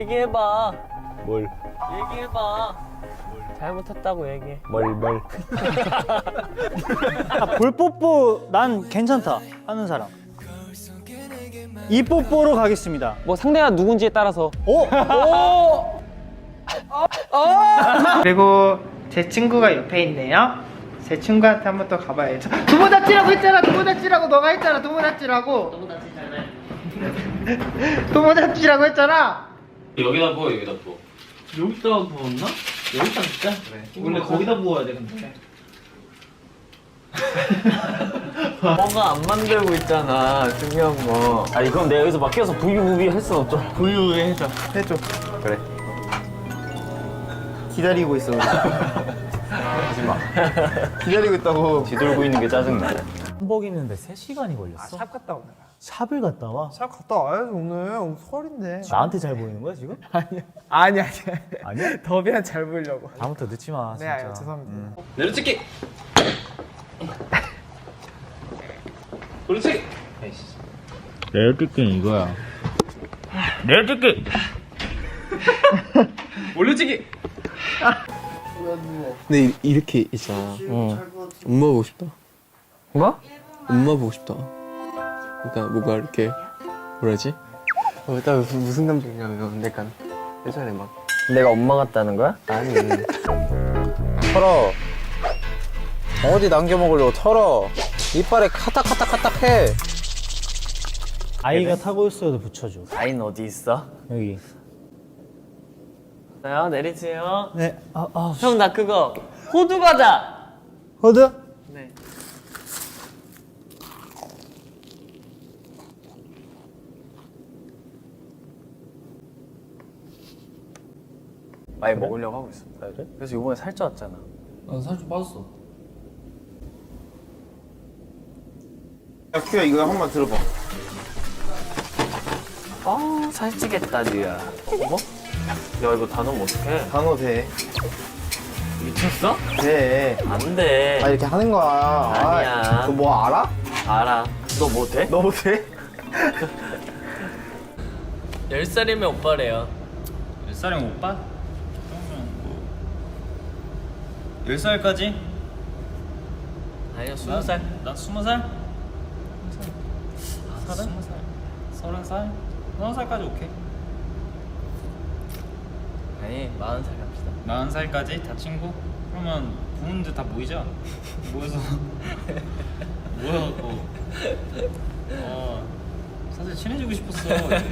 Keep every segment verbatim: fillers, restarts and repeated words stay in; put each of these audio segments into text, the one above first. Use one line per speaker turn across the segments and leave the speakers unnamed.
얘기해봐.
뭘?
얘기해봐. 잘못했다고 얘기해.
뭘 뭘?
아, 볼 뽀뽀 난 괜찮다 하는 사람. 이 뽀뽀로 가겠습니다.
뭐 상대가 누군지에 따라서.
오!
오!
그리고 제 친구가 옆에 있네요. 제 친구한테 한번 또 가봐야죠. 도모다치라고 했잖아. 도모다치라고 너가 했잖아. 도모다치라고. 도모다치 도모다치라고 했잖아.
여기다 부어 여기다 부어.
여기다 부었나? 여기다 진짜? 그래. 원래 거기다 부어야 돼 근데.
뭐가 안 만들고 있잖아. 중요한 거. 아니 그럼 내가 여기서 막 껴서 부비부비 할 순 없죠.
부유 해줘. 해줘.
그래.
기다리고 있어.
하지 마. 기다리고 있다고 뒤돌고 있는 게 짜증나.
한복 입는데 세 시간이 걸렸어?
샵 갔다 오느라.
샵을 갔다 와?
샵 갔다 와야지 오늘. 오늘 설인데.
나한테 잘 보이는 거야 지금?
아니야. 아니 아니.
아니야?
더비한 잘 보이려고.
다음부터 늦지 마
네,
진짜.
아유, 죄송합니다.
내려찍기. 그렇지.
내려찍기는 이거야. 내려찍기.
올려찍기.
근데 이- 이렇게 있잖아. 엄마 보고 싶다.
뭐?
엄마 보고 싶다. 그러니까 뭔가 이렇게 뭐라지? 어, 딱 무슨, 무슨 감정이냐면 약간 예전에 막
내가 엄마 같다는 거야?
아니
털어. 어디 남겨 먹으려고 털어. 이빨에 카딱카딱카딱 해.
아이가 타고 있어도 붙여줘.
아이는 어디 있어?
여기.
나요 내리세요.
네. 아, 아.
형 나 그거 호두 과자.
호드?
네. 많이 먹으려고 하고 있어. 그래? 그래서 이번에 살쪄왔잖아.
난 살 좀 빠졌어.
야, 큐야 이거 한 번 들어봐.
아 살찌겠다 니야. 뭐? 야 이거 다 넣으면 어떡해?
단어 돼.
미쳤어?
돼.
안 돼.
아 이렇게 하는 거야.
아니야.
너 뭐 알아?
알아. 너 뭐 돼?
너 못해?
열 살이면 오빠래요.
몇 살이면 오빠? 열 살까지?
아니요 스무 살.
나 스무 살? 서른? 서른 살? 서른 살까지 오케이.
아니 마흔 살 갑시다.
마흔 살까지 다 친구? 그러면 부모님들 다 모이자. 모여서 모여갖고 어 사실 친해지고 싶었어.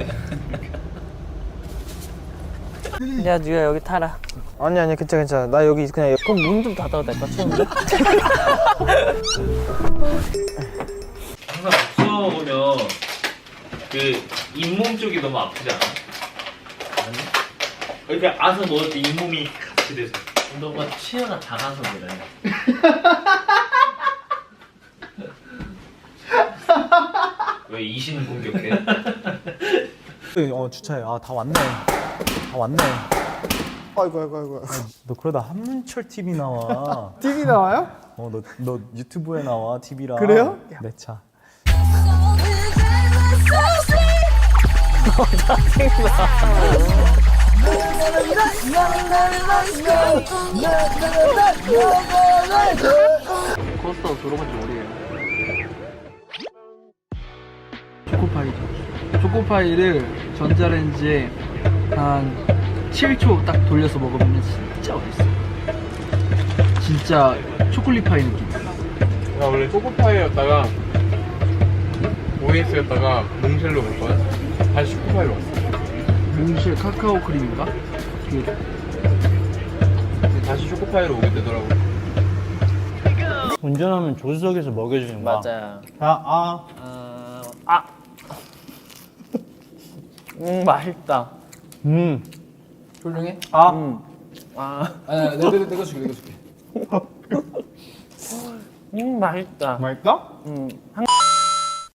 야 니가 여기 타라.
아니 아니 괜찮아 괜찮아. 나 여기 그냥
그럼 문 좀 닫아도 될까 추운데?
항상 박수 먹으면 그 잇몸 쪽이 너무 아프지 않아? 아니? 이렇게 아서 먹을 때 잇몸이 같이 돼서.
너가 치아가 작아서 그래.
왜 이신을 공격해?
어 주차해. 아 다 왔네. 다 왔네.
아이고 아이고 아이고.
너 그러다 한문철 티비 나와.
티비 나와요?
어 너 너 유튜브에 나와 티비랑.
그래요?
내 차.
코스터 들어본지 모르겠네.
초코파이죠. 초코파이를 전자레인지에 한 칠 초 딱 돌려서 먹으면 진짜 맛있어요. 진짜 초콜릿 파이 느낌.
나 원래 초코파이였다가 오에스였다가 몽쉘로 갈 거야. 다시 초코파이로 왔어.
몽쉘 카카오 크림인가? 그
근데 다시 초코파이로 오게 되더라고.
운전하면 조수석에서 먹여주는 거야.
맞아.
아, 아.
아, 아. 음 맛있다.
음.
훌륭해?
아.
음. 아.
아, 내가 내가 내가 줄게 내가 줄게.
음 맛있다.
맛있다?
음. 한...